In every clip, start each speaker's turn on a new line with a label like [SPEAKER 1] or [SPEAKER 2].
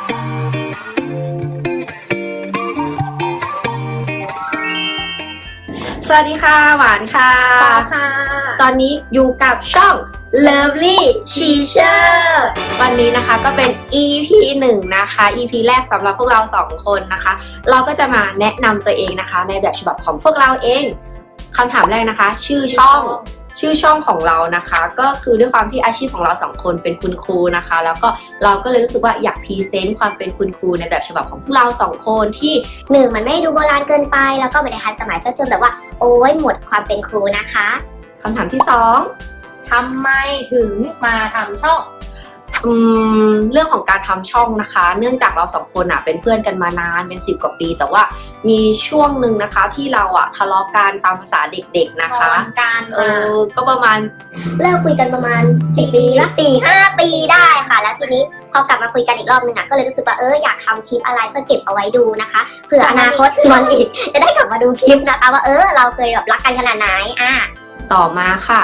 [SPEAKER 1] สวัสดีค่ะหวานค่ะ
[SPEAKER 2] ค่ะ
[SPEAKER 1] ตอนนี้อยู่กับช่อง Lovely Teacher วันนี้นะคะก็เป็น EP 1 นะคะ EP แรกสำหรับพวกเรา2คนนะคะ เราก็จะมาแนะนำตัวเองนะคะในแบบฉบับของพวกเราเองคำถามแรกนะคะชื่อช่องของเรานะคะก็คือด้วยความที่อาชีพของเรา2คนเป็นคุณครูนะคะแล้วก็เราก็เลยรู้สึกว่าอยากพรีเซนต์ความเป็นคุณครูในแบบฉบับของพวกเรา2คนที่
[SPEAKER 2] 1มันไม่ดูโบราณเกินไปแล้วก็ไม่ได้ทันสมัยซะจนแบบว่าโอ้ยหมดความเป็นครูนะคะ
[SPEAKER 1] คำถามที่2
[SPEAKER 2] ทำไมถึงมาทำช่อง
[SPEAKER 1] เรื่องของการทำช่องนะคะเนื่องจากเรา2คนเป็นเพื่อนกันมานานเป็น10 กว่าปีแต่ว่ามีช่วงหนึ่งนะคะที่เราทะเลาะกันตามภาษาเด็กๆนะคะก็ประมาณ
[SPEAKER 2] เลิกคุยกันประมาณ4 ปีละ4-5 ปีได้ค่ะแล้วทีนี้พอกลับมาคุยกันอีกรอบนึงก็เลยรู้สึกว่าอยากทำคลิปอะไรเพื่อเก็บเอาไว้ดูนะคะเผื่ออนาคตงอนอีกจะได้กลับมาดูคลิปนะคะว่าเราเคยแบบรักกันขนาดไหน
[SPEAKER 1] ต่อมาค่ะ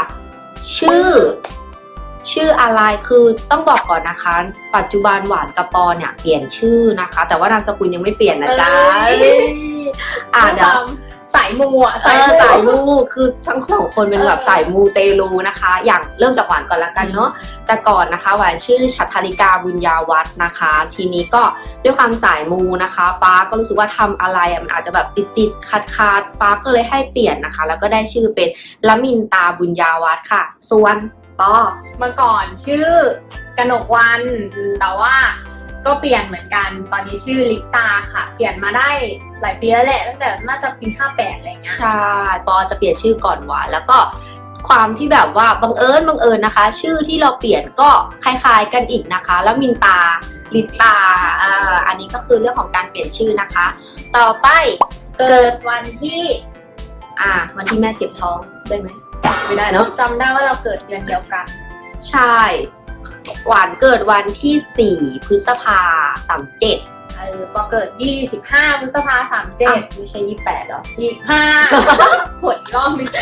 [SPEAKER 1] ชื่ออะไรคือต้องบอกก่อนนะคะปัจจุบันหวานกับปอเนี่ยเปลี่ยนชื่อนะคะแต่ว่านามสกุลยังไม่เปลี่ยนนะจ๊ะเดี๋ยว
[SPEAKER 2] สายมู
[SPEAKER 1] สายมูคือทั้ง2คนเป็นแบบสายมูเตลูนะคะอย่างเริ่มจากหวานก่อนละกันเนาะแต่ก่อนนะคะหวานชื่อฉัตรธาริกาบุญญาวัฒน์นะคะทีนี้ก็ด้วยความสายมูนะคะป้าก็รู้สึกว่าทำอะไรมันอาจจะแบบติดขาดป้าก็เลยให้เปลี่ยนนะคะแล้วก็ได้ชื่อเป็นละมินตาบุญญาวัฒน์ค่ะส่วน
[SPEAKER 2] เมื่อก่อนชื่อกนกวรรณแต่ว่าก็เปลี่ยนเหมือนกันตอนนี้ชื่อลิปตาค่ะเปลี่ยนมาได้หลายปีแล้วแหละตั้งแต่น่าจะปี58อะไรเงี้ย
[SPEAKER 1] ใช่ปอจะเปลี่ยนชื่อก่อนหวานแล้วก็ความที่แบบว่าบังเอิญนะคะชื่อที่เราเปลี่ยนก็คล้ายๆกันอีกนะคะแล้วมินตาลิปตาอันนี้ก็คือเรื่องของการเปลี่ยนชื่อนะคะต่อไป
[SPEAKER 2] เกิดวันที่
[SPEAKER 1] วันที่แม่เจ็บท้องได้ไหมไม่ได้เนาะ
[SPEAKER 2] จำได้ว่าเราเกิดเดือนเดียวกัน
[SPEAKER 1] ใช่หวานเกิดวันที่4 พฤษภา37
[SPEAKER 2] ปอเกิด25 พฤษภา37
[SPEAKER 1] ไม่ใช่28หรอ
[SPEAKER 2] 25ขวดอีกรอบนึง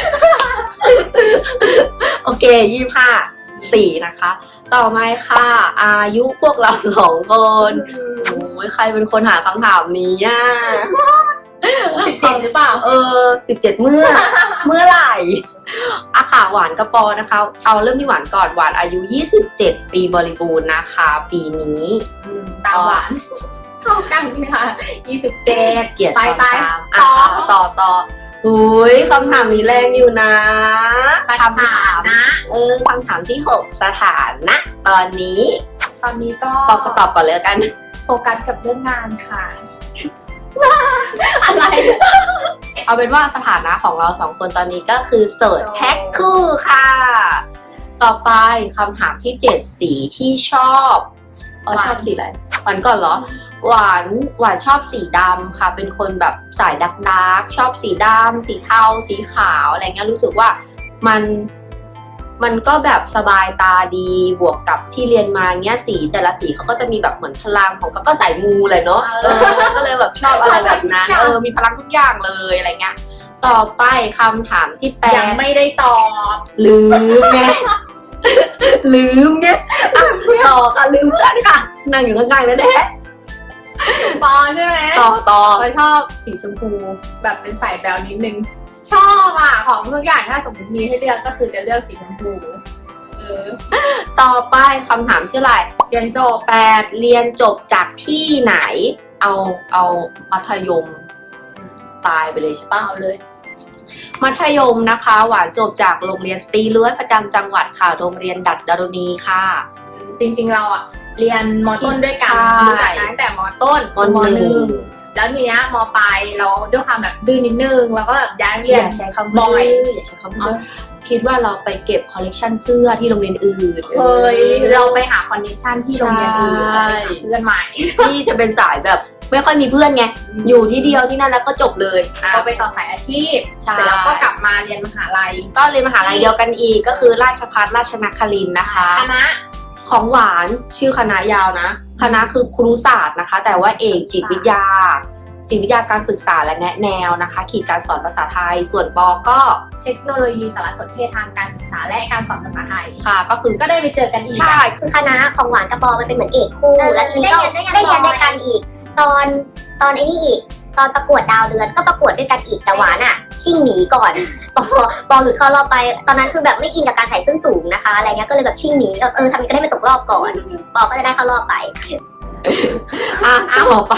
[SPEAKER 1] โอเค4นะคะต่อมาค่ะอายุพวกเรา2คนโอ้ยใครเป็นคนหาคำถามนี้
[SPEAKER 2] 17หรือเปล่า
[SPEAKER 1] 17เมื่อไหร่ค่ะหวานกระปอนะคะเอาเริ่มที่หวานก่อนหวานอายุ27 ปีบริบูรณ์นะคะปีนี้
[SPEAKER 2] ตามหวานเท่ากันนะคะ27เ
[SPEAKER 1] กียรติ
[SPEAKER 2] ไป
[SPEAKER 1] ต่ออุ้ยคำถามนี้แรงอยู่นะ
[SPEAKER 2] คำถามนะ
[SPEAKER 1] คำถามที่6สถานะตอนนี้
[SPEAKER 2] ก็
[SPEAKER 1] ปอตอบก่อนเลยกัน
[SPEAKER 2] โฟกัสกับเรื่องงานค่ะอะไร
[SPEAKER 1] เอาเป็นว่าสถานะของเรา2คนตอนนี้ก็คือโสดแพ็คคู่ค่ะต่อไปคำถามที่7สีที่ชอบชอบสีอะไรหวานก่อนเหรอหวานชอบสีดำค่ะเป็นคนแบบสายดักชอบสีดำสีเทาสีขาวอะไรเงี้ยรู้สึกว่ามันก็แบบสบายตาดีบวกกับที่เรียนมาเงี้ยสีแต่ละสีเขาก็จะมีแบบเหมือนพลังของก็สายมูเลยเนาะก็เลยแบบชอบอะไรแบบนั้นมีพลังทุกอย่างเลยอะไรเงี้ยต่อไปคำถามที่8
[SPEAKER 2] ยังไม่ได้ตอบ
[SPEAKER 1] ลืมไงต่อค่ะลืมเพื่อนค่ะนั่งอยู่ข้างๆแล้วแท้
[SPEAKER 2] ปอใช่ไหม
[SPEAKER 1] ต่อ
[SPEAKER 2] ชอบสีชมพูแบบเป็นสายแบวนิดนึงชอบของทุกอย่างถ้าสมมติมีให้เลือกก็คือจะเลือกสีชมพู
[SPEAKER 1] ต่อไปคำถามที่อะไร
[SPEAKER 2] เรียนจบ
[SPEAKER 1] 8เรียนจบจากที่ไหนเอามัธยมปลายไปเลยใช่ป่ะ
[SPEAKER 2] เอาเลย
[SPEAKER 1] มัธยมนะคะหวานจบจากโรงเรียนสตรีเลือดประจำจังหวัดค่ะโรงเรียนดัดดารุณีค่ะ
[SPEAKER 2] จริงๆเราเรียนม.ต้นด้วยกันรู้จักตั้งแต่ม.ต้นม.1แล้วทีเนี้ยม.ปลายเราด้วยความแบบดื้อนิดนึงแล้วก็แบบย้ายเรียน
[SPEAKER 1] อย่าใช้คำบ่อยอย่าใช้คำบ่อยคิดว่าเราไปเก็บคอลเลกชันเสื้อที่โรงเรียนอื่น
[SPEAKER 2] เราไปหาคอนเนคชั่นที่โรงเรียนอื่นเพื่อนใหม่
[SPEAKER 1] ที่จะเป็นสายแบบไม่ค่อยมีเพื่อนไงอยู่ที่เดียวที่นั่นแล้วก็จบเลย
[SPEAKER 2] ก็ไปต่อสายอาชีพเสร็จแล้วก็กลับมาเรียนมหาลัย
[SPEAKER 1] ก็เรียนมหาลัยเดียวกันอีกก็คือราชภัฏราชนครินทร์นะคะ
[SPEAKER 2] คณะ
[SPEAKER 1] ของหวานชื่อคณะยาวนะคณะคือครุศาสตร์นะคะแต่ว่าเอกจิตวิทยาจิตวิทยาการปรึกษาและแนะแนวนะคะ ขีดการสอนภาษาไทยส่วนปอก็
[SPEAKER 3] เทคโนโลยีสารสนเทศทางการศึกษาและการสอนภาษาไทย
[SPEAKER 1] ค่ะก็คือ
[SPEAKER 3] ก็ได้ไปเจอกันอีก
[SPEAKER 1] ใช่
[SPEAKER 2] คือคณะของหวานกับปอมันเป็นเหมือนเอกคู่ แล้วทีนี้ก็
[SPEAKER 3] ได้
[SPEAKER 2] ได้
[SPEAKER 3] เรี
[SPEAKER 2] เรี
[SPEAKER 3] ย
[SPEAKER 2] ย
[SPEAKER 3] น
[SPEAKER 2] น
[SPEAKER 3] ด้
[SPEAKER 2] ด้
[SPEAKER 3] ว
[SPEAKER 2] วย ย
[SPEAKER 3] กั
[SPEAKER 2] กัน นอีก ตอนไอ้นี่อีก ตอนประกวดดาวเดือนก็ประกวดด้วยกันอีกแต่หวานอ่ะ ชิ่งหนีก่อนปอหลุดเข้ารอบไป ตอนนั้นคือแบบไม่อินกับการใส่ส้นสูงนะคะอะไรเงี้ยก็เลยแบบชิ่งหนีแบบทำยังไงก็ได้ไม่ตกรอบก่อนปอก็จะได้เข้ารอบไป
[SPEAKER 1] ต่อไป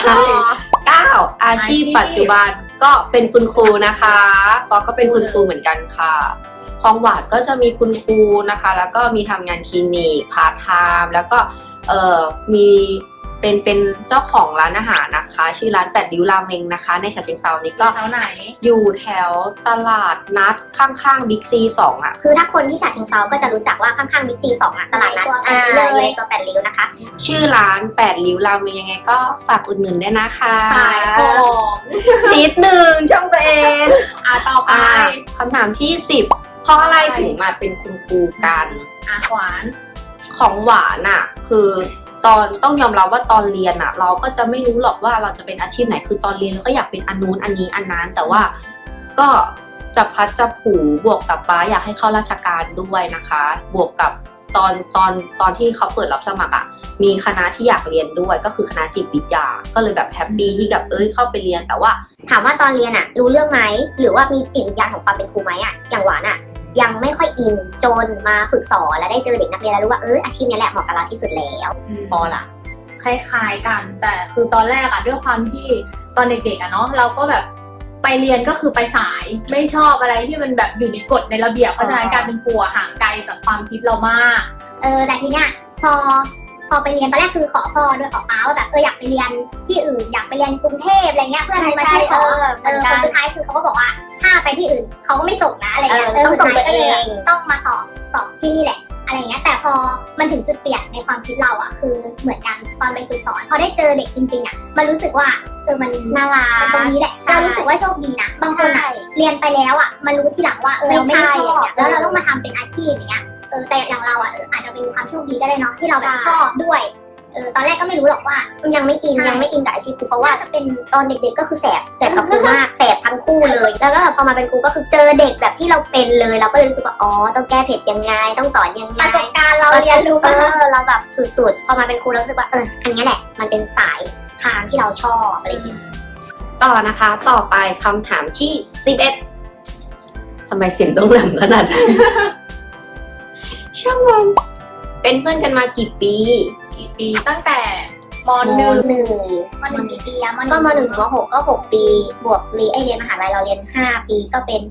[SPEAKER 1] 9อาชีพปัจจุบันก็เป็นคุณครูนะคะปอก็เป็นคุณครูเหมือนกันค่ะของหวานก็จะมีคุณครูนะคะ แล้วก็มีทำงานคลินิกพาร์ทไทม์แล้วก็มีเป็นเจ้าของร้านอาหารนะคะ ชื่อร้าน8ริ้วราเมงนะคะในฉะเชิงเทรานี่ก็
[SPEAKER 3] แถวไหน
[SPEAKER 1] อยู่แถวตลาดนัดข้างๆบิ๊กซี2อ่ะ
[SPEAKER 2] คือถ้าคนที่ฉะเชิงเทราก็จะรู้จักว่าข้างๆบิ๊กซี2อ่ะตลาดนัดอยู่ในตัวแปดริ้วนะคะ
[SPEAKER 1] ชื่อร้าน8ริ้วราเมงยังไงก็ฝากอุดหนุนด้วยนะคะ
[SPEAKER 3] ขายของ
[SPEAKER 1] นิดนึงช่องตัวเอง
[SPEAKER 3] ต่อไป
[SPEAKER 1] คำถามที่ 10เพราะอะไรถึงมาเป็นคุณครูกัน
[SPEAKER 3] หวาน
[SPEAKER 1] ของหวานอ่ะคือตอนต้องยอมรับว่าตอนเรียนอ่ะ เราก็จะไม่รู้หรอกว่าเราจะเป็นอาชีพไหนคือตอนเรียนเราก็อยากเป็นอันนู้นอันนี้อันนั้นแต่ว่าก็จะพัดจะผูบวกกับป้าอยากให้เข้าราชการด้วยนะคะ บวกกับตอนที่เขาเปิดรับสมัครอ่ะมีคณะที่อยากเรียนด้วยก็คือคณะจิตวิทยาก็เลยแบบแฮปปี้ที่แบบเข้าไปเรียนแต่ว่า
[SPEAKER 2] ถามว่าตอนเรียนอะรู้เรื่องไหมหรือว่ามีจิตวิญญาณของความเป็นครูไหมอะอย่างหวานอะยังไม่ค่อยอินจนมาฝึกสอนและได้เจอเด็กนักเรียนแล้วรู้ว่าอาชีพนี้แหละเหมาะกับเราที่สุดแล้ว
[SPEAKER 3] ปอล่ะ คล้ายๆกัน แต่คือตอนแรกอะด้วยความที่ตอนเด็กๆอะเนาะเราก็แบบไปเรียนก็คือไปสายไม่ชอบอะไรที่มันแบบอยู่ในกฎในระเบียบเพราะฉะนั้นการเป็นครูห่างไกลจากความคิดเรามาก
[SPEAKER 2] แต่ทีเนี้ยพอไปเรียนตอนแรกคือขอพ่อด้วยขอป้าว่าแบบอยากไปเรียนที่อื่นอยากไปเรียนกรุงเทพอะไรเงี้ยเพื่อนมาช่วยขอคนสุดท้ายคือเขาก็บอกว่าถ้าไปที่อื่นเขาก็ไม่ส่งนะอะไรเงี้ยต้องส่งตัวเองต้องมาสอบที่นี่แหละอะไรเงี้ยแต่พอมันถึงจุดเปลี่ยนในความคิดเราอ่ะคือเหมือนกันตอนเป็นครูสอนพอได้เจอเด็กจริงๆอ่ะมันรู้สึกว่ามันน่ารักตรงนี้แหละเรารู้สึกว่าโชคดีนะบางคนอ่ะเรียนไปแล้วอ่ะมันรู้ทีหลังว่าเราไม่ได้ชอบแล้วเราต้องมาทำเป็นอาชีพอย่างเงี้ยแต่อย่างเราอ่ะอาจจะเป็นความโชคดีก็ได้เนาะที่เราแบบชอบด้วยตอนแรกก็ไม่รู้หรอกว่ายังไม่อินกับอาชีพครูเพราะว่าจะเป็นตอนเด็กๆก็คือแสบกับครูมากแสบทั้งคู่เลยแล้วก็พอมาเป็นครูก็คือเจอเด็กแบบที่เราเป็นเลยเราก็เลยรู้สึกว่าต้องแก้เผ็ดยังไงต้องสอนยังไงประสบการณ์เราเรียนรู้เราแบบสุดๆพอมาเป็นครูเรารู้สึกว่าอันนี้แหละมันเป็นสายทางที่เราชอบอะไรอย่างเงี้ย
[SPEAKER 1] ต่อนะคะต่อไปคำถามที่11ทำไมเสียงต้องแหลมขนาดนั้น ช่างมันเป็นเพื่อนกันมากี่ปี
[SPEAKER 3] ตั้งแต่ม
[SPEAKER 2] ม
[SPEAKER 3] .1
[SPEAKER 2] หนึ่งกี่ปีอะก็ม .1 ถึงม .6 ก็6ปีบวกเรียนมหาลัยเราเรียน5ปีก็เป็น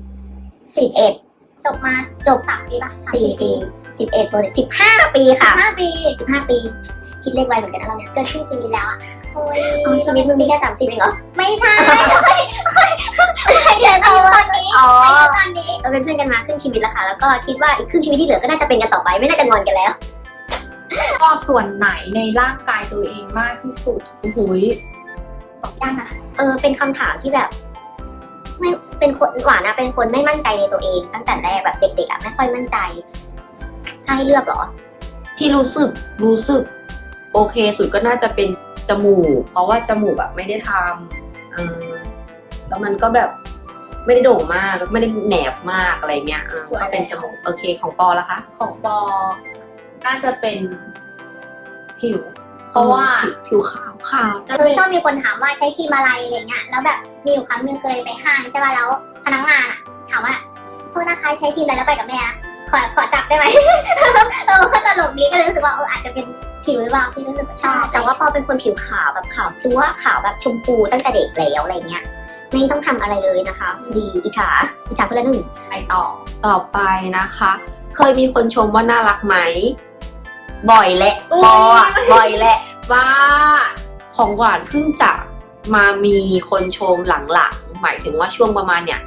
[SPEAKER 2] 11จบ3ปีป่ะ4ปี11บวก15ปีค่ะ15ปีคิดเลขไวเหมือนกันนะเราเนี่ยเกินครึ่งชีวิตแล้วอะชีวิตมึงมีแค่30เองเหรอไม่ใช่เจอตอนนี้เราเป็นเพื่อนกันมาครึ่งชีวิตแล้วค่ะแล้วก็คิดว่าอีกครึ่งชีวิตที่เหลือก็น่าจะเป็นกันต่อไปไม่น่าจะงอนกันแล้ว
[SPEAKER 3] ชอบส่วนไหนในร่างกายตัวเองมากที่สุด
[SPEAKER 1] โอ้โห
[SPEAKER 2] ตอบยากนะเป็นคำถามที่แบบไม่เป็นคนหวานนะเป็นคนไม่มั่นใจในตัวเองตั้งแต่แรกแบบเด็กๆอ่ะไม่ค่อยมั่นใจให้เลือกเหรอ
[SPEAKER 1] ที่รู้สึกโอเคสุดก็น่าจะเป็นจมูกเพราะว่าจมูกแบบไม่ได้ทำแล้วมันก็แบบไม่ได้โด่งมากแล้วไม่ได้แหนบมากอะไรเงี้ยก็เป็นจมูกโอเคของปอละคะ
[SPEAKER 3] ของปอน่าจะเป็นผิว เพราะว่า
[SPEAKER 1] ผิวขาว
[SPEAKER 2] ชอบมีคนถามว่าใช้ครีมอะไรอะไรเงี้ยแล้วแบบมีอยู่ครั้งนึงเคยไปห้างใช่ป่ะแล้วพนักงานอ่ะถามว่าโทษนะคะใช้ครีมอะไรแล้วไปกับแม่ขอจับได้ไหม ก็ตลกดีก็เลยรู้สึกว่าอาจจะเป็นผิวหรือเปล่าที่รู้สึกชอบแต่ว่าพอเป็นคนผิวขาวแบบขาวจั๊วขาวแบบชมพูตั้งแต่เด็กแล้วอะไรเงี้ยไม่ต้องทำอะไรเลยนะคะ ดีอิจฉาคนละหนึ่ง
[SPEAKER 3] ไปต่อ
[SPEAKER 1] ไปนะคะ เคยมีคนชมว่าน่ารักไหมบ่อยแหละปอบ่อยแหละ
[SPEAKER 3] ว่า
[SPEAKER 1] ของหวานเพิ่งจะมามีคนชมหลังๆหมายถึงว่าช่วงประมาณเนี่ย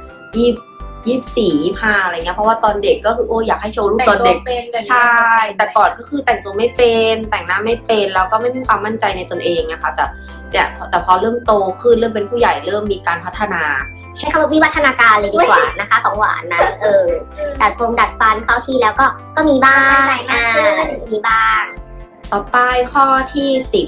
[SPEAKER 1] 24-25อะไรเงี้ยเพราะว่าตอนเด็กก็คืออยากให้โชว์รูปตอนเด็กใช่แต่ก่อนก็คือแต่งตัวไม่เป็นแต่งหน้าไม่เป็นแล้วก็ไม่มีความมั่นใจในตนเองนะคะแต่พอเริ่มโตขึ้นเริ่มเป็นผู้ใหญ่เริ่มมีการพัฒนา
[SPEAKER 2] ใช้คำว่าวิวัฒนาการเลยดีกว่านะคะของหวานนะดัดฟันเข้าที่แล้วก็มีบ้างมีบ้าง
[SPEAKER 1] ต่อไปข้อที่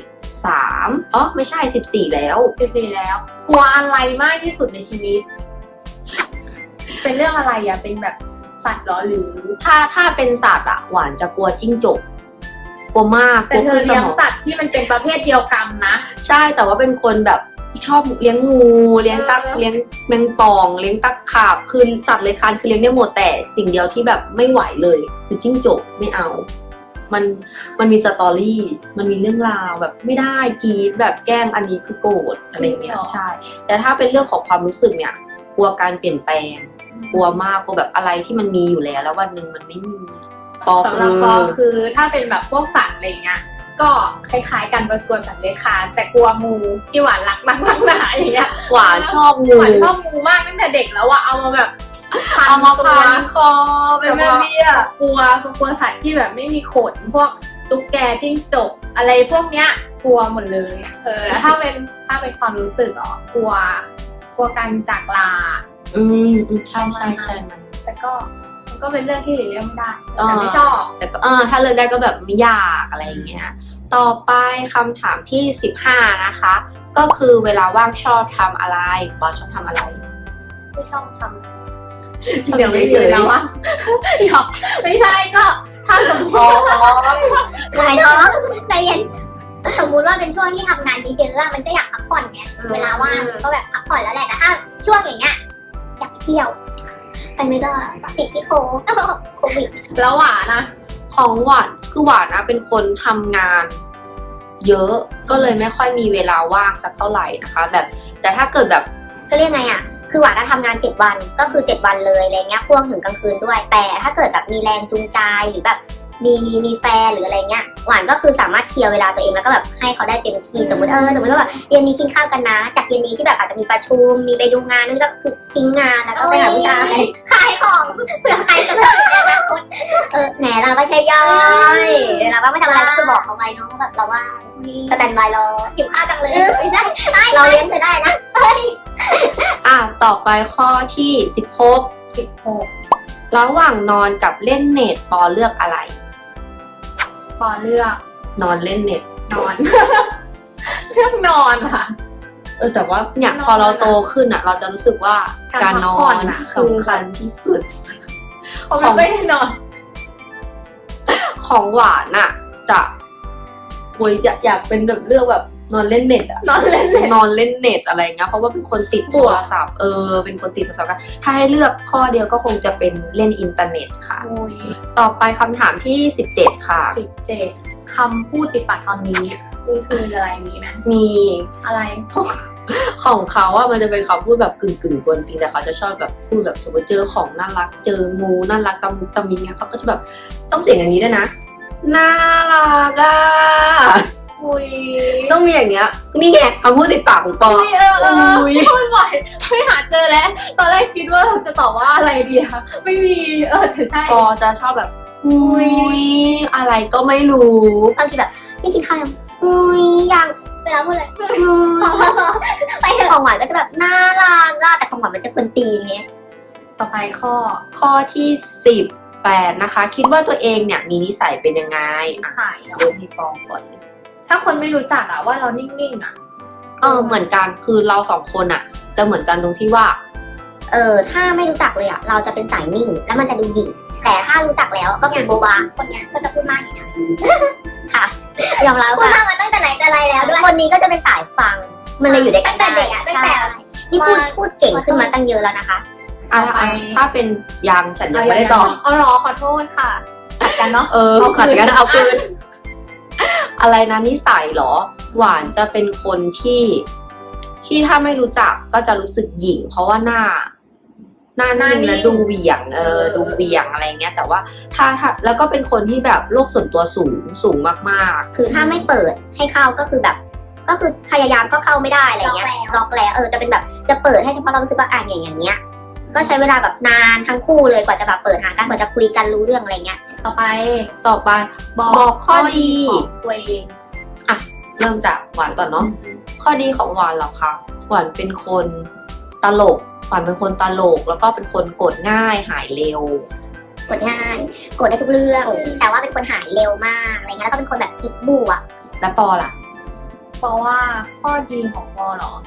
[SPEAKER 1] 13อ๋อไม่ใช่14แล้ว
[SPEAKER 3] 14แล้ว กลัวอะไรมากที่สุดในชีวิต เป็นเรื่องอะไรอะเป็นแบบสัตว์เหรอหรือ
[SPEAKER 1] ถ้าเป็นสัตว์อะหวานจะกลัวจิ้งจกกลัวมาก
[SPEAKER 3] แต่เธอ
[SPEAKER 1] ส
[SPEAKER 3] เลี้ยง
[SPEAKER 1] มอง
[SPEAKER 3] สัตว์ที่มันเป็นประเภทเดียวกันนะ
[SPEAKER 1] ใช่แต่ว่าเป็นคนแบบชอบเลี้ยงงูเลี้ยงตั๊ก
[SPEAKER 3] เออ
[SPEAKER 1] เลี้ยงแมงป่องเลี้ยงตั๊กขาบคือสัตว์เลื้อยคลานคือเลี้ยงได้หมดแต่สิ่งเดียวที่แบบไม่ไหวเลยคือจิ้งจกไม่เอา มันมีสตอรี่มันมีเรื่องราวแบบไม่ได้กรีดแบบแกล้งอันนี้คือโกรธอะไรอย่างเงี้ยใช่ แต่ถ้าเป็นเรื่องของความรู้สึกเนี่ยกลัวการเปลี่ยนแปลงกลัวมากกลัวแบบอะไรที่มันมีอยู่แล้ววันหนึ่งมันไม่มีปอ
[SPEAKER 3] สำหรับปอคือถ้าเป็นแบบพวกสัตว์อะไรเงี้ยก็คล้ายๆกันกลัวสัตว์เลื้อยคลานแต่กลัวงูที่หวานรักหนาอย่างเงี้ย
[SPEAKER 1] หวานชอบงู
[SPEAKER 3] หวานชอบงูมากตั้งแต่เด็กแล้วอะเอามาแบบ
[SPEAKER 1] เอามา
[SPEAKER 3] ตัว
[SPEAKER 1] พันคอเป็นแม่เบี้ย
[SPEAKER 3] กลัวสัตว์ที่แบบไม่มีขนพวกตุ๊กแกจิ้งจกอะไรพวกเนี้ยกลัวหมดเลยแล้วถ้าเป็นความรู้สึกอ๋อกลัวการจากลา
[SPEAKER 1] ใช่มัน
[SPEAKER 3] แต่ก็มันก็เป็นเรื่องที่หลีกเลี่ยงไม่ได้แต่ไม่ชอบ
[SPEAKER 1] แต่ก็ถ้าเลือกได้ก็แบบไม่ยากอะไรอย่างเงี้ยต่อไปคำถามที่15นะคะ ก็คือเวลาว่างชอบทำอะไรบอสชอบทำอะไร
[SPEAKER 3] ไม่ชอบทำ
[SPEAKER 1] เดี๋ยวไม่เฉย
[SPEAKER 3] แล้ววะเดี๋ยวไม่ใช่ก็ถ้าสมมติ
[SPEAKER 2] ขายท้องใจเย็นสมมุติว่าเป็นช่วงที่ทำงานเยอะๆอะมันก็อยากพักผ่อนไงเวลาว่างก็แบบพักผ่อนแล้วแหละแต่ถ้าช่วงอย่างเงี้ยอยากเที่ยวไปไม่ได้ติดที่โควิด
[SPEAKER 3] แล้วหวานนะ
[SPEAKER 1] ของหวานคือหวานนะเป็นคนทำงานเยอะก็เลยไม่ค่อยมีเวลาว่างสักเท่าไหร่นะคะ แบบแต่ถ้าเกิดแบบ
[SPEAKER 2] ก็เรียกไงอ่ะคือหวานทำงาน7 วันก็คือ7 วันเลยอะไรเงี้ยพ่วงถึงกลางคืนด้วยแต่ถ้าเกิดแบบมีแรงจูงใจหรือแบบมีแฟนหรืออะไรเงี้ยหวานก็คือสามารถเคลียร์เวลาตัวเองแล้วก็แบบให้เขาได้เต็มที่สมมติว่าแบบเย็นนี้กินข้าวกันนะจากเย็นนี้ที่แบบอาจจะมีประชุมมีไปดูงานนั่นก็คือทิ้งงานแล้วก็ไปหาผู้ชายขายของเผื่อใครจะแบบอนาคตแหมเราไม่ใช่ย่อยเราก็ไม่ทำอะไรก็คือบอกเขาไปเนาะแบบเราว่าสแตนบายรอหิวข้าวจังเลยไม่ใช่เราเลี้ยงเธอได้นะ
[SPEAKER 1] ต่อไปข้อที่16ระหว่างนอนกับเล่นเน็ตปอเลือกอะไร
[SPEAKER 3] ปอเลือก
[SPEAKER 1] นอนเล่นเน็ต
[SPEAKER 3] นอน เลือกนอนค่ะ
[SPEAKER 1] แต่ว่าเนี่ย
[SPEAKER 3] นอน
[SPEAKER 1] พอเราโตขึ้นอ่ะ เราจะรู้สึกว่า
[SPEAKER 3] การ
[SPEAKER 1] การนอ
[SPEAKER 3] พักผ่อน
[SPEAKER 1] น
[SPEAKER 3] อะคือ
[SPEAKER 1] สำคัญที่สุด
[SPEAKER 3] ผมไม่ค่อยได้นอน
[SPEAKER 1] ของหวานอ่ะ จะอยากเป็นแบบเรื่องแบบนอนเล่นเน็ตอะ
[SPEAKER 3] นอนเล่นเน็ต
[SPEAKER 1] นอนเล่นเน็ตอะไรเงี้ยเพราะว่าเป็นคนติดโทรศัพท์เป็นคนติดโทรศัพท์กันถ้าให้เลือกข้อเดียวก็คงจะเป็นเล่นอินเทอร์เน็ตค่ะ
[SPEAKER 3] โอ้ย
[SPEAKER 1] ต่อไปคำถามที่17ค่ะ
[SPEAKER 3] 17คำพูดติดปากตอนนี้คืออะไรมีไหม
[SPEAKER 1] มี
[SPEAKER 3] อะไร
[SPEAKER 1] ของเขาอะมันจะเป็นคำพูดแบบกึ่งกวนตีนแต่เขาจะชอบแบบพูดแบบสมมติเจอของน่ารักเจองูน่ารักตะมุตะมิเนี่ยเขาก็จะแบบต้องเสียงอย่างนี้ด้วยนะน่ารักอะ
[SPEAKER 3] อุ้ย
[SPEAKER 1] ต้องมีอย่างเงี้ยนี่ไงคำพูดติดปากของปอ
[SPEAKER 3] อุ้ยไม่ไหวไม่หาเจอแล้ว ตอนแรกคิดว่าจะตอบว่าอะไรดีคะไม่มีแต่ใช่
[SPEAKER 1] ปอจะชอบแบบอุ้ยอะไรก็ไม่รู้
[SPEAKER 2] บางทีแบบนี่กินข้าวยังยังเวลาพูดเลยไปเถอะของหวานก็จะแบบน่ารักแต่ของหวานมันจะกวนตีนไง
[SPEAKER 3] ต่อไปข้อ
[SPEAKER 1] ที่18นะคะ คิดว่าตัวเองเนี่ยมีนิสัยเป็นยังไง
[SPEAKER 3] ขายเหรอ
[SPEAKER 1] เริ่มที่ปอก่อน
[SPEAKER 3] ถ้าคนไม่รู้จักอะว่าเรานิ่งๆอะ
[SPEAKER 1] เหมือนกันคือเราสองคนอะจะเหมือนกันตรงที่ว่า
[SPEAKER 2] ถ้าไม่รู้จักเลยอ่ะเราจะเป็นสายนิ่งแล้วมันจะดูหยิ่งแต่ถ้ารู้จักแล้วก็คือโบบาคนเนี้ยก็จะพูดมากนี่นะค่ะยอมรับพูดมากมาตั้งแต่ไหนแต่ไรแล้วด้วยคนนี้ก็จะเป็นสายฟังมันเลยอยู่ด้วยกันตั้งแต่เด็กอ่ะตั้งแต่ที่พูดเก่งขึ้นมาตั้งเยอะแล้วนะคะ
[SPEAKER 1] ถ้าเป็นยังฉันยังไม่ได้ตอบ
[SPEAKER 3] เอาหรอขอโทษค่ะตัดกันเนาะ
[SPEAKER 1] ขัดกันเอาคืนอะไรนะนิสัยเหรอ หวานจะเป็นคนที่ถ้าไม่รู้จักก็จะรู้สึกหยิ่งเพราะว่าหน้านิ่งและดูเหวี่ยงดูเหวี่ยงอะไรเงี้ยแต่ว่าถ้าแล้วก็เป็นคนที่แบบโลกส่วนตัวสูงมากๆ
[SPEAKER 2] คือถ้าไม่เปิดให้เข้าก็คือแบบก็คือพยายามก็เข้าไม่ได้อะไรเงี้ยล็อกแล้วจะเป็นแบบจะเปิดให้เฉพาะเรารู้สึกว่าอย่างเงี้ยก็ใช้เวลาแบบนานทั้งคู่เลยกว่าจะแบบเปิดหากันกว่าจะคุยกันรู้เรื่องอะไรเงี้ย
[SPEAKER 3] ต่อไป
[SPEAKER 1] บอกข้อดี
[SPEAKER 3] ของตัวเอง
[SPEAKER 1] เริ่มจากหวานก่อนเนาะข้อดีของหวานเหรอคะหวานเป็นคนตลกหวานเป็นคนตลกแล้วก็เป็นคนโกรธง่ายหายเร็ว
[SPEAKER 2] กดง่ายกดได้ทุกเรื่องแต่ว่าเป็นคนหายเร็วมากอะไรเงี้ยแล้วก็เป็นคนแบบคิดบวก
[SPEAKER 1] และปอล่ะ
[SPEAKER 3] เพราะว่าข้อดีของปอเหรอ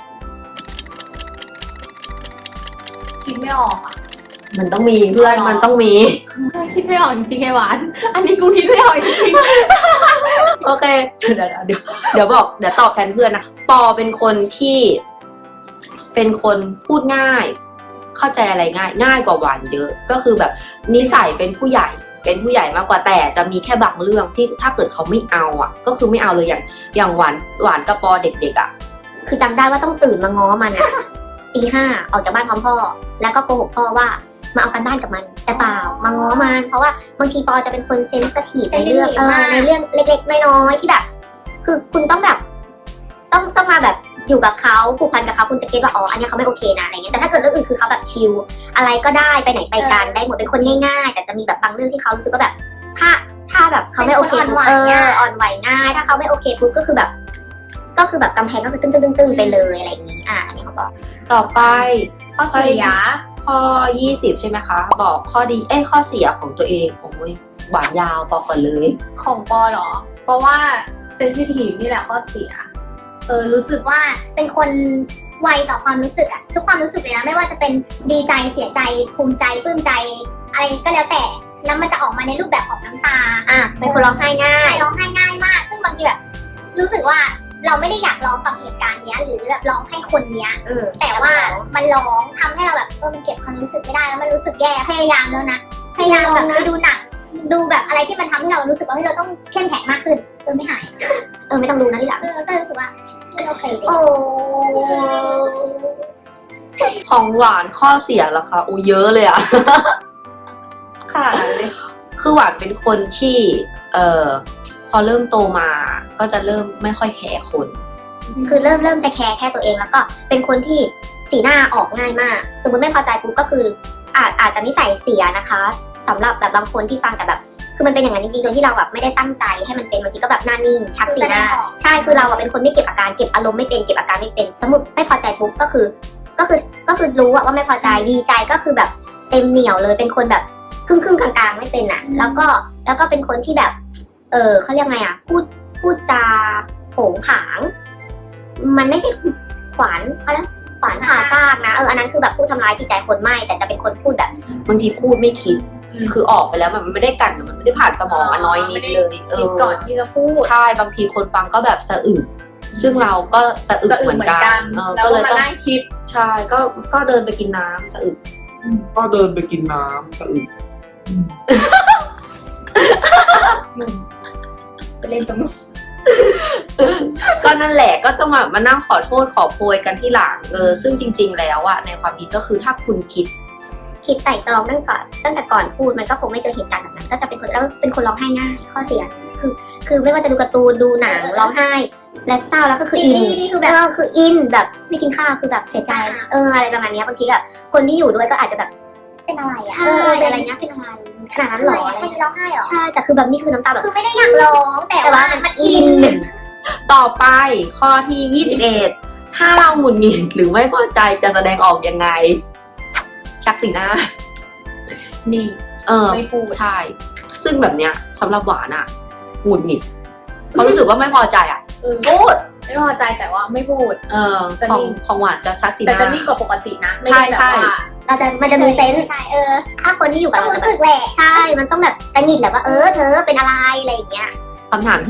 [SPEAKER 3] คิดไม่ออกอ่ะ
[SPEAKER 1] มันต้องมีเพื่อนมันต้องมี
[SPEAKER 3] คิดไม่ออกจริงๆไอ้หวาน อันนี้กูคิดไม่ออกจริง
[SPEAKER 1] โอเคเดี๋ยวบอกเดี๋ยวตอบแทนเพื่อนนะปอเป็นคนที่เป็นคนพูดง่าย เข้าใจอะไรง่ายกว่าหวานเยอะ ก็คือแบบนิสัยเป็นผู้ใหญ่มากกว่าแต่จะมีแค่บางเรื่องที่ถ้าเกิดเขาไม่เอาอ่ะ ก็คือไม่เอาเลยอย่างหวานกับปอเด็กๆอ่ะ
[SPEAKER 2] คือจำได้ว่าต้องตื่นมาง้อมันอะตี 5ออกจากบ้านพร้อมพ่อ แล้วก็โกหกพ่อว่ามาเอากันบ้านกับมัน แต่เปล่ามาง้อมันเพราะว่าบางทีปอจะเป็นคนเซนซิทีฟในเรื่องในเรื่องเล็กๆน้อยๆที่แบบ คือคุณต้องแบบต้องมาแบบอยู่กับเขาผูกพันกับเขาคุณจะเก็ตว่าอ๋ออันนี้เขาไม่โอเคนะอะไรเงี้ยแต่ถ้าเกิดเรื่องอื่นคือเขาแบบชิลอะไรก็ได้ไปไหนไปกันได้หมดเป็นคนง่ายๆแต่จะมีแบบบางเรื่องที่เขารู้สึกว่าแบบ ถ้าแบบเขาไม่โอเคปุ๊บอ่อนไหวง่าย ถ้าเขาไม่โอเคปุ๊บก็คือแบบกำแพงก็คือตึ้งไปเลยอะไรอย่างนี้อันนี้เขาบอก
[SPEAKER 1] ต่อไป
[SPEAKER 3] ๆข้อเสีย
[SPEAKER 1] ข้อ 20 ใช่ไหมคะ บอกข้อดีข้อเสียของตัวเองโอ้ยหวานยาวปอก่อนเลย
[SPEAKER 3] ของปอเหรอ เพราะว่าเซนซิทีฟนี่แหละข้อเสีย รู้สึกว่า
[SPEAKER 2] เป็นคนไวต่อความรู้สึกอะทุกความรู้สึกเลยนะไม่ว่าจะเป็นดีใจเสียใจภูมิใจปลื้มใจอะไรก็แล้วแต่แล้วมันจะออกมาในรูปแบบของน้ำตาเป็นคนร้องไห้ง่ายมาก ซึ่งบางทีแบบรู้สึกว่าเราไม่ได้อยากร้องกับเหตุการณ์เนี้ยหรือแบบร้องให้คนเนี้ยแต่ว่ามันร้องทำให้เราแบบมันเก็บความรู้สึกไม่ได้แล้วมันรู้สึกแย่พยายามแล้วนะพยายามแบบไปดูหนังดูแบบอะไรที่มันทำให้เรารู้สึกว่าเราต้องเข้มแข็งมากขึ้นไม่หายไม่ต้องดูนะที่หลังก็รู้สึกว่าไม่โอเคเลย
[SPEAKER 1] ของหวานข้อเสียเหรอคะเยอะเลยอะ ค่ะเลยคือหวานเป็นคนที่พอเริ่มโตมาก็จะเริ่มไม่ค่อยแคร์คน
[SPEAKER 2] คือเริ่มจะแคร์แค่ตัวเองแล้วก็เป็นคนที่สีหน้าออกง่ายมากสมมติไม่พอใจปุ๊บก็คืออาจจะนิสัยเสียนะคะสำหรับแบบบางคนที่ฟังแต่แบบคือมันเป็นอย่างนั้นจริงๆโดยที่เราแบบไม่ได้ตั้งใจให้มันเป็นบางทีก็แบบหน้านิ่งชักสีหน้าใช่คือเราเป็นคนไม่เก็บอาการเก็บอารมณ์ไม่เป็นเก็บอาการไม่เป็นสมมติไม่พอใจปุ๊บก็คือรู้ว่าไม่พอใจดีใจก็คือแบบเต็มเหนียวเลยเป็นคนแบบครึ่งกลางๆไม่เป็นอ่ะแล้วก็เป็นคนที่แบบเขาเรียกไงอ่ะพูดจาโผงผาง มันไม่ใช่ขวานเขาเรียกขวานผ่าซากนะอันนั้นคือแบบพูดทำร้ายจิตใจคนไม่แต่จะเป็นคนพูดแบบ
[SPEAKER 1] บางทีพูดไม่คิด คือออกไปแล้วมันไม่ได้กันมันไม่ได้ผ่านสมองน้อยนิดเลย
[SPEAKER 3] คิดก่อนที่จะพูด
[SPEAKER 1] ใช่บางทีคนฟังก็แบบสะอึกซึ่งเราก็สะอึกเหมือนกัน
[SPEAKER 3] ก็เลย
[SPEAKER 1] ก็เลยต้อง
[SPEAKER 3] นั่งคิด
[SPEAKER 1] ใช่ก็เดินไปกินน้ำสะอึก
[SPEAKER 4] ก็เดินไปกินน้ำสะอึก
[SPEAKER 3] ไปเล่นตรงนู้น
[SPEAKER 1] ก็นั่นแหละก็ต้องมานั่งขอโทษขอโพยกันที่หลังซึ่งจริง ๆ แล้วอะในความคิดก็คือถ้าคุณคิด
[SPEAKER 2] ไต่ตรองตั้งแต่ก่อนพูดมันก็คงไม่เจอเหตุการณ์แบบนั้นก็จะเป็นคนแล้วเป็นคนร้องไห้ง่ายข้อเสียคือไม่ว่าจะดูการ์ตูนดูหนังร้องไห้และเศร้าแล้วก็คืออินนี่คือแบบคืออินแบบไม่กินข้าวคือแบบเสียใจอะไรประมาณนี้บางทีแบบคนที่อยู่ด้วยก็อาจจะแบบเป็นอะไรใช่อะไรเงี้ยเป็นอะไรขนาดนั้นหรอใช่ร้องไห้หรอใช่แต่คือแบบนี่คือน้ำตาแบบคือไม่ได้อยากร้องแต่ว่ามันอิน
[SPEAKER 1] ต่อไปข้อที่ 21 ถ้าเราหงุดหงิดหรือไม่พอใจจะแสดงออกยังไง ชักสีหน้า
[SPEAKER 3] นี่ ไม่พูด
[SPEAKER 1] ใช่ซึ่งแบบเนี้ยสำหรับหวานอะหงุดหงิดเขารู้สึกว่าไม่พอใจอะพูด
[SPEAKER 3] ไม่พอใจแต่ว่าไม่พูด
[SPEAKER 1] ของหวานจะชักสีห
[SPEAKER 3] แต่
[SPEAKER 1] น้า
[SPEAKER 3] จะนิ่งกว่าปกตินะไม่
[SPEAKER 1] ใช่
[SPEAKER 3] ได้แบบว่า
[SPEAKER 2] มันจะมีเซนส์ถ้าคนที่อยู่กับเราจะแบบใช่มันต้องแบบตะหงิดแหละว่าเธอเป็นอะไรอะไรอย่างเงี้ย
[SPEAKER 1] คำถามที่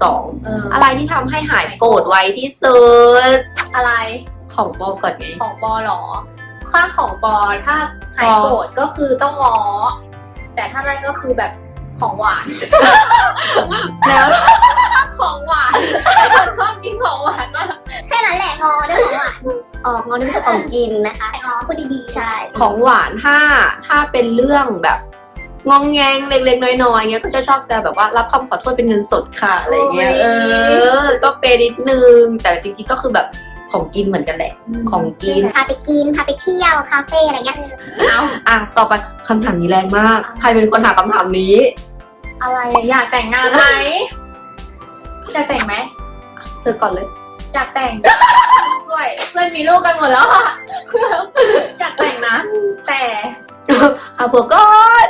[SPEAKER 1] 22 อะไรที่ทำให้หายโกรธไวที่สุด
[SPEAKER 3] อะไร
[SPEAKER 1] ของปอก่อนไง
[SPEAKER 3] ของปอหรอข้าของปอถ้าหายโกรธก็คือต้องง้อแต่ถ้านั่นก็คือแบบของหวาน
[SPEAKER 1] แล้ว
[SPEAKER 3] ของหวานชอบกินของหวานมาก
[SPEAKER 2] แค่นั้นแหละงอด้วยของหวานงอด้วยของกินนะคะแต่งอพูดดีๆใช่
[SPEAKER 1] ของหวานถ้าเป็นเรื่องแบบงองแงงเล็กๆน้อยๆเงี้ยก็จะชอบแซวแบบว่ารับคำขอโทษเป็นเงินสดค่ะอะไรเงี้ยก็เปนิดนึงแต่จริงๆก็คือแบบของกินเหมือนกันแหละของกิน
[SPEAKER 2] พาไปกินพาไปเที่ยวคาเฟ่อะไรเงี้ย
[SPEAKER 1] ต่อไปคำถามนี้แรงมาก ใครเป็นคนหาคำถามนี้
[SPEAKER 3] อะไรอยากแต่งงานไหมจะแต่งไหม
[SPEAKER 1] เธอก่อนเลย
[SPEAKER 3] อยากแต่งด้วยเพื่อนมีลูกกันหมดแล้วอะอยากแต่งนะ แต่
[SPEAKER 1] เผื่อก่อน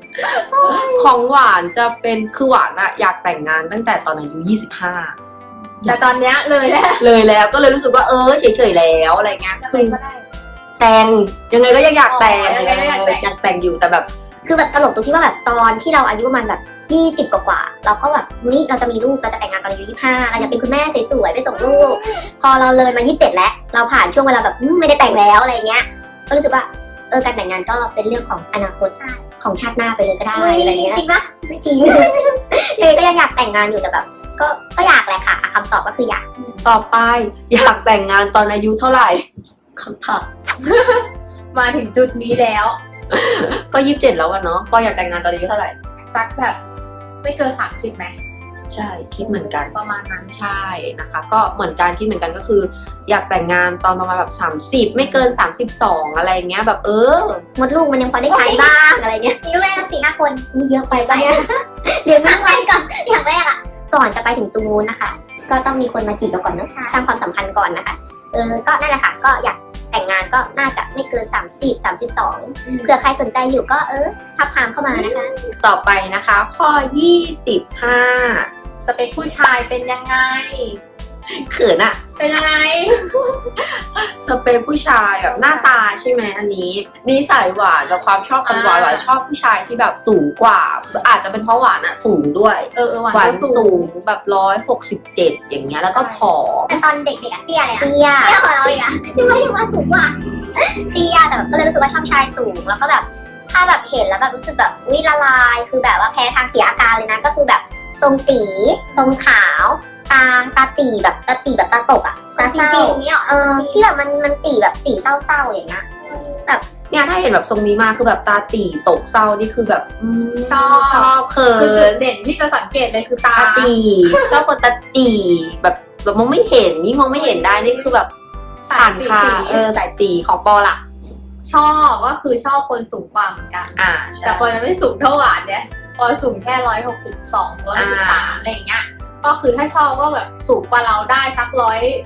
[SPEAKER 1] ของหวานจะเป็นคือหวานอะอยากแต่งงานตั้งแต่ตอนอายุ25
[SPEAKER 3] แต่ตอนเนี้ยเลยแล้ว
[SPEAKER 1] เลยแล้วก็เลยรู้สึกว่าเฉยๆแล้วอะไรเงี้ยคือ
[SPEAKER 3] ก็ได้
[SPEAKER 1] แต่งยังไงก็ยังอยากแต่ง
[SPEAKER 3] ยังไงก็อยากแต่ง
[SPEAKER 1] อยากแต่งอยู่แต่แบบ
[SPEAKER 2] คือแบบตลกตรงที่ว่าแบบตอนที่เราอายุประมาณแบบ20 กว่าๆเราก็แบบเฮ้ยเราจะมีลูกเราจะแต่งงานตอนอายุ25เราอยากเป็นคุณแม่สวยๆไปส่งลูก พอเราเลยมา27แล้วเราผ่านช่วงเวลาแบบไม่ได้แต่งแล้วอะไรเงี้ยก็รู้สึกว่าการแต่งงานก็เป็นเรื่องของอนาคตของชาติหน้าไปเลยก็ได้อะไรเงี้ยจริงปะไม่จริง เลยก็ยังอยากแต่งงานอยู่แต่แบบก็อยากแหละค่ะคำตอบก็คืออยาก
[SPEAKER 1] ต่อไปอยากแต่งงานตอนอายุเท่าไหร่คำถาม
[SPEAKER 3] มาถึงจุดนี้แล้ว
[SPEAKER 1] ก็27แล้วอะเนาะปออยากแต่งงานตอนอายุเท่าไหร่
[SPEAKER 3] สักแบบไม่เกิน30ไหม
[SPEAKER 1] ใช่คิดเหมือนกัน
[SPEAKER 3] ประมาณนั้น
[SPEAKER 1] ใช่นะคะ ก็เหมือนกันคิดเหมือนกันก็คือ อยากแต่งงานตอนประมาณแบบ30ไม่เกิน32อะไรเงี้ยแบบ
[SPEAKER 2] มดลูกมันยังพอได้ใช้บ้างอะไรเงี้ยมีลูกแรกละ4-5 คนมีเยอะไปปะเนี่ยเรียนมากไปก่อนอย่างแรกอ่ะก่อนจะไปถึงตรงนู้นนะคะ ก็ต้องมีคนมาจีบเราก่อนเนอะสร้างความสัมพันธ์ก่อนนะคะก็นั่นแหละค่ะก็อยากแต่งงานก็น่าจะไม่เกิน30-32เผื่อใครสนใจอยู่ก็ทักทามเข้ามานะคะ
[SPEAKER 1] ต่อไปนะคะ ข้อ 25
[SPEAKER 3] สเปคผู้ชายเป็นยังไง
[SPEAKER 1] เขินอะ
[SPEAKER 3] เป็นยังไง
[SPEAKER 1] สเปคผู้ชายแบบหน้าตาใช่ไหมอันนี้นิสัยหวานแบบความชอบคนหวานหวานชอบผู้ชายที่แบบสูงกว่า อาจจะเป็นเพราะหวานอะสูงด้วย หวานสูงแบบ167อย่างเงี้ยแล้วก็ผอม
[SPEAKER 2] แต่ตอนเด็กๆอะเตี้ยเลยนะเตี้ยของเราอีกอะที่ว่าสูงกว่าเตี้ยแต่แบบก็เลยรู้สึกว่าชอบชายสูงแล้วก็แบบถ้าแบบเห็นแล้วแบบรู้สึกแบบอุ๊ยละลายคือแบบว่าแพ้ทางเสียอาการเลยนะก็คือแบบทรงตีทรงขาวตาตีแบบตาตกอะตาเศร้าอย่างเงี้ยที่แบบมันตีแบบตีเศร้าๆอย่างเงี้ย
[SPEAKER 1] เนี่ยถ้าเห็นแบบทรงนี้มาคือแบบตาตีตกเศร้านี่คือแบบ
[SPEAKER 3] ชอบ
[SPEAKER 1] เขิ
[SPEAKER 3] คือจุ
[SPEAKER 1] น
[SPEAKER 3] ดเด่นที่จะสังเกตเลยคือตา
[SPEAKER 1] ตาตีชอบคนตาตีแบบมองไม่เห็นนี่มองไม่เห็นได้นี่คือแบบผ่านค่ะสายตีของปอล่ะ
[SPEAKER 3] ชอบก็คือชอบคนสูงกว่าเหมือนกัน
[SPEAKER 1] ใช่
[SPEAKER 3] แต่ปอยังไม่สูงเท่าหวานเนี่ยปอสูงแค่162 163อะไรอย่างเงี้ยก็คือถ้าชอบก็แบบสูงกว่าเราได้สัก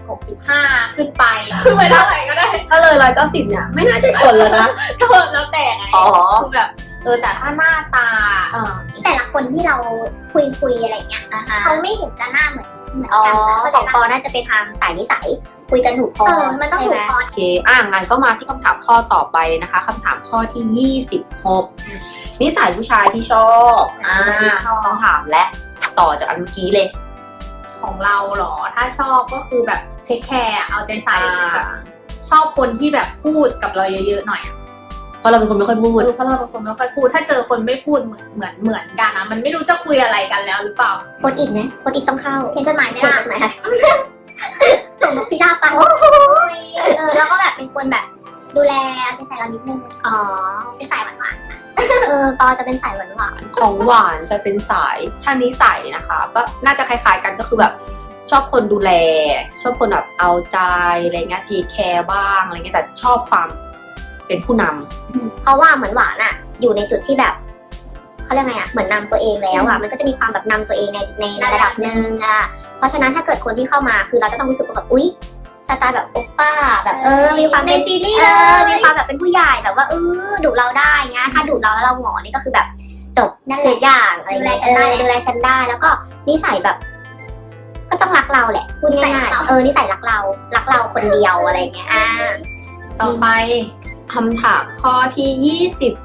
[SPEAKER 3] 165ขึ้นไปขึ้นไปเท่าไหร่ก็ได้
[SPEAKER 1] ถ้าเลย190เนี่ยไม่น่าใช่คนเลยนะ
[SPEAKER 3] ก็แล้วแต่ไง
[SPEAKER 1] อ๋อ
[SPEAKER 3] คือแบบแต่ถ้าหน้าตา
[SPEAKER 2] แต่ละคนที่เราคุยอะไรเงี้ยเขาไม่เห็นจะหน้าเหมือนกันของปอน่าจะเป็นทางสายนิสัยคุยกันถูกคอมันต้องถูกคอ
[SPEAKER 1] โอเคงั้นก็มาที่คำถามข้อต่อไปนะคะคำถามข้อที่26นิสัยผู้ชายที่ชอบต้องถามและต่อจากอันเมื่อกี้เลย
[SPEAKER 3] ของเราเหรอถ้าชอบก็คือแบบเทคแคร์เอาใจใส่แบบชอบคนที่แบบพูดกับเราเยอะๆหน่อย
[SPEAKER 1] เพราะเราเป็นคนไม่ค่อยพูด
[SPEAKER 3] เพราะเราเป็นคนไม่ค่อยพูดถ้าเจอคนไม่พูดเหมือนกันนะมันไม่รู้จะคุยอะไรกันแล้วหรือเปล่า
[SPEAKER 2] โคดอิดนะโคดอิดต้องเข้าเขียนจดหมายไม่ได้ไหนคะส่งนกพิราบไปแล้วก็แบบเป็นคนแบบดูแลเอาใจใส่เรานิดนึงเป็นสายหวานๆปอจะเป็นสายหวาน
[SPEAKER 1] ของหวานจะเป็นสายถ้านิสัยนะคะ ก็น่าจะคล้ายๆกันก็คือแบบชอบคนดูแล ชอบคนแบบเอาใจอะไรเงี้ยเทคแคร์บ้างอะไรเงี้ยแต่ชอบความเป็นผู้นำ
[SPEAKER 2] เพราะว่าเหมือนหวานอะอยู่ในจุดที่แบบเขาเรียกไงอะเหมือนนำตัวเองแล้วอะมันก็จะมีความแบบนำตัวเองในระดับหนึ่งอะเพราะฉะนั้นถ้าเกิดคนที่เข้ามาคือเราจะต้องรู้สึกว่าแบบอุ๊ยสไตล์แบบโอป้าแบบมีความในซีรีส์มีความแบบเป็นผู้ใหญ่แบบว่าดุเราได้เงี้ยถ้าดุเราแล้วเราหงอนี่ก็คือแบบจบทุกอย่างอะไรเงี้ยดูแลฉันได้แล้วก็นิสัยแบบ ก็ต้องรักเราแหละพูดง่ายๆนิสัยรักเราคนเดียวอะไรเงี้ย
[SPEAKER 3] ต่อไป
[SPEAKER 1] คำถามข้อที่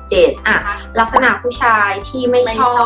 [SPEAKER 1] 27ลักษณะผู้ชายที่ไม่ชอบ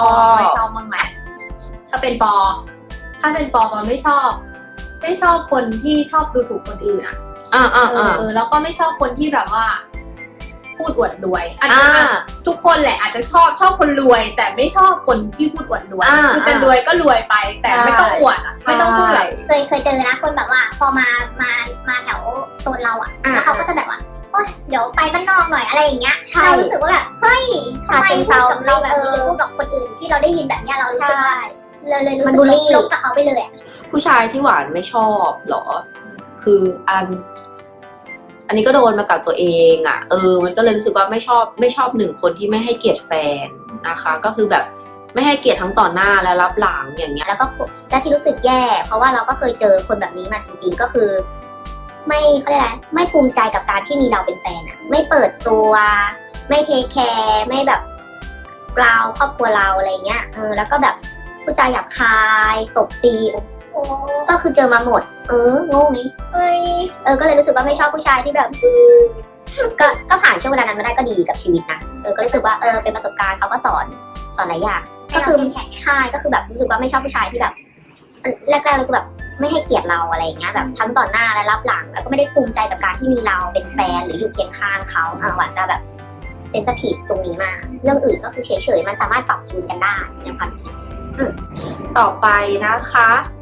[SPEAKER 3] บ้างไหมถ้าเป็นปอไม่ชอบคนที่ชอบดูถูกคนอื่นแล้วก็ไม่ชอบคนที่แบบว่า พูดอวดรวยอาจจะทุกคนแหละอาจจะชอบคนรวย แต่ไม่ชอบคนที่พูดอวดรวยคือจะรวยก็รวยไป แต่ไม่ต้องอวดไม่ต้องพูดแบบ
[SPEAKER 2] เคยเจอนะคนแบบว่าพอมาแถวโซนเราอะแล้วเขาก็จะแบบว่าโอ๊ยเดี๋ยวไปบ้านนอกหน่อยอะไรอย่างเงี้ยเรารู้สึกว่าแบบเฮ้ยทำไมพูดกับเราแบบนี้พูดกับคนอื่นที่เราได้ยินแบบเนี้ยเรารู้สึกว่าเลยรู้สึกลบกับเขาไปเลย
[SPEAKER 1] ผู้ชายที่หวานไม่ชอบหรอคืออันนี้ก็โดนมากับตัวเองอ่ะมันก็เลยรู้สึกว่าไม่ชอบหนึ่งคนที่ไม่ให้เกียรติแฟนนะคะก็คือแบบไม่ให้เกียรติทั้งต่อหน้าและรับหลังอย่างเงี้ย
[SPEAKER 2] แล้วที่รู้สึกแย่เพราะว่าเราก็เคยเจอคนแบบนี้มาจริงๆก็คือไม่เขาเรียกอะไรไม่ภูมิใจกับการที่มีเราเป็นแฟนอะไม่เปิดตัวไม่เทคแคร์ไม่แบบเราครอบครัวเราอะไรเงี้ยแล้วก็แบบพูดจาหยาบคายตบตีโอ้ก็คือเจอมาหมด งงนี้ก็เลยรู้สึกว่าไม่ชอบผู้ชายที่แบบก็ผ่านช่วงเวลานั้นมาได้ก็ดีกับชีวิตนะก็รู้สึกว่าเป็นประสบการณ์เขาก็สอนหลายอย่างก็คือใช่ก็คือแบบรู้สึกว่าไม่ชอบผู้ชายที่แบบแรกๆเลยคือแบบไม่ให้เกียรติเราอะไรอย่างเงี้ยแบบทั้งต่อหน้าและรับหลังแล้วก็ไม่ได้ภูมิใจกับการที่มีเราเป็นแฟนหรืออยู่เคียงข้างเขาหวานจะแบบเซนซิทีฟตรงนี้มากเรื่องอื่นก็คือเฉยๆมันสามารถปรับจูนกันได้ในความคิด
[SPEAKER 1] ต่อไปนะคะ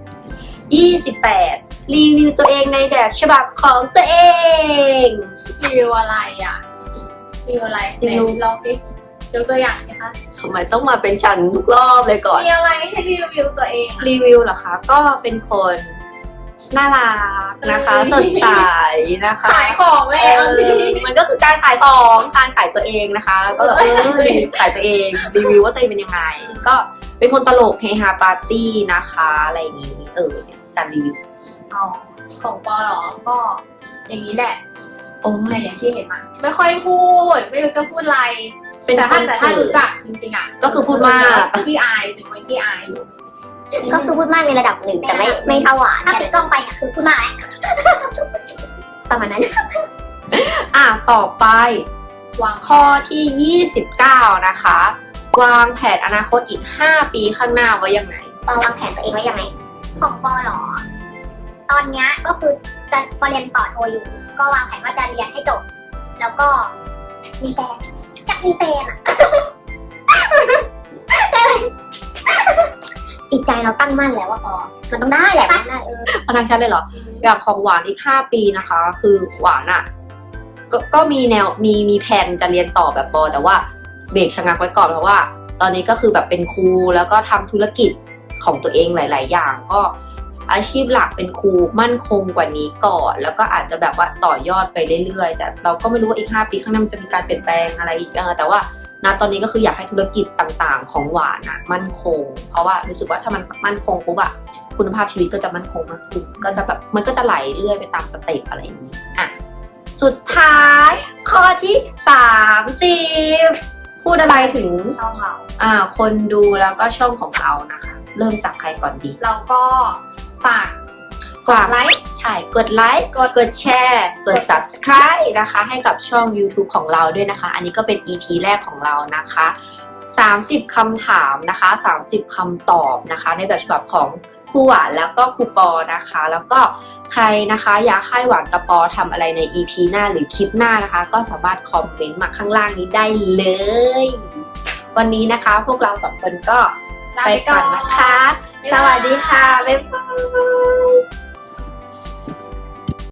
[SPEAKER 1] 28 รีวิวตัวเองในแบบฉบับของตัวเอง
[SPEAKER 3] รีวิวอะไรอ่ะรีวิวอะไรไหนลองสิยกตัวอย่างสิคะ
[SPEAKER 1] ทำไมต้องมาเป็นฉันทุกรอบเลยก่อน
[SPEAKER 3] มีอะไรให้รีวิวตัวเองอะ
[SPEAKER 1] รีวิวเหรอคะ ก็เป็นคนน่ารักนะคะ สดใสนะคะ
[SPEAKER 3] ขายของเลยเอาสิ
[SPEAKER 1] มันก็คือการขายของการขายตัวเองนะคะ ก็แบบขายตัวเองรีวิวว่าตัวเองเป็นยังไง ก็เป็นคนตลกเฮฮาปาร์ตี้นะคะอะไรอย่างนี้เนี่ยการรีวิว
[SPEAKER 3] อ๋อของปอเหรอก็อย่างนี้แหละ
[SPEAKER 1] โอ้
[SPEAKER 3] ใน
[SPEAKER 1] ย
[SPEAKER 3] อย่างที่เห็นมาไม่ค่อยพูดไม่รู้จะพูดอะไร
[SPEAKER 1] เป็น
[SPEAKER 3] แต่
[SPEAKER 1] คน
[SPEAKER 3] ถ้ารู้จักจริงๆอ่ะ
[SPEAKER 1] ก็คือพูดมาก
[SPEAKER 3] ขี้อายเป็นคนขี้อายอยู่
[SPEAKER 2] ก็คือพูดมากในระดับหนึ่งแต่ไม่เท่าหวานถ้าปิดกล้องไปเนี่ยคือพูดมากแล้วประมาณนั้น
[SPEAKER 1] ต่อไป
[SPEAKER 3] วาง
[SPEAKER 1] ข้อที่ 29 นะคะ วางแผนอนาคตอีก 5 ปีข้างหน้าไว้ยังไง
[SPEAKER 2] ปอวางแผนตัวเองไว้ยังไงของปอเหรอ ตอนเนี้ยก็คือจะปอเรียนต่อโทอยู่ ก็วางแผนว่าจะเรียนให้จบ แล้วก็มีแฟนอยากมีแฟนอะจิตใจเราตั้งมั่นแล้วว่าปอมันต้องได้แหละมันได้
[SPEAKER 1] เอาทางชัดเลยเหรอ อย่างของหวานอีก 5 ปีนะคะ คือหวานอ่ะ ก็มีแนวมีแผนจะเรียนต่อแบบปอแต่ว่าเบรกชะงักไว้ก่อนเพราะว่าตอนนี้ก็คือแบบเป็นครูแล้วก็ทำธุรกิจของตัวเองหลาย ๆ อย่าง ก็อาชีพหลักเป็นครูมั่นคงกว่านี้ก่อน แล้วก็อาจจะแบบว่าต่อยอดไปเรื่อย ๆ แต่เราก็ไม่รู้ว่าอีก 5 ปีข้างหน้ามันจะมีการเปลี่ยนแปลงอะไรอีกแต่ว่าณตอนนี้ก็คืออยากให้ธุรกิจต่างๆ ของหวานอะมั่นคง เพราะว่ารู้สึกว่าถ้ามันมั่นคงปุ๊บอะคุณภาพชีวิตก็จะมั่นคงมากขึ้นก็จะแบบมันก็จะไหลเรื่อยไปตามสเต็ปอะไรอย่างนี้สุดท้ายข้อที่30พูดอะไรถึง
[SPEAKER 3] ช่องเรา
[SPEAKER 1] คนดูแล้วก็ช่องของเรานะคะ เริ่มจากใครก่อนดี
[SPEAKER 3] เราก็ฝาก
[SPEAKER 1] กดไลค์ใช่กดไลค์กดแชร์กด subscribe นะคะให้กับช่อง YouTube ของเราด้วยนะคะ อันนี้ก็เป็น EP แรกของเรานะคะ30คำถามนะคะ30คำตอบนะคะในแบบฉบับของครูหวานแล้วก็ครูปอนะคะแล้วก็ใครนะคะอยากให้หวานกับปอทำอะไรใน EP หน้าหรือคลิปหน้านะคะก็สามารถคอมเมนต์มาข้างล่างนี้ได้เลยวันนี้นะคะพวกเราสองคนก็ไปก่อนนะคะสวัสดีค่ะบ๊ายบาย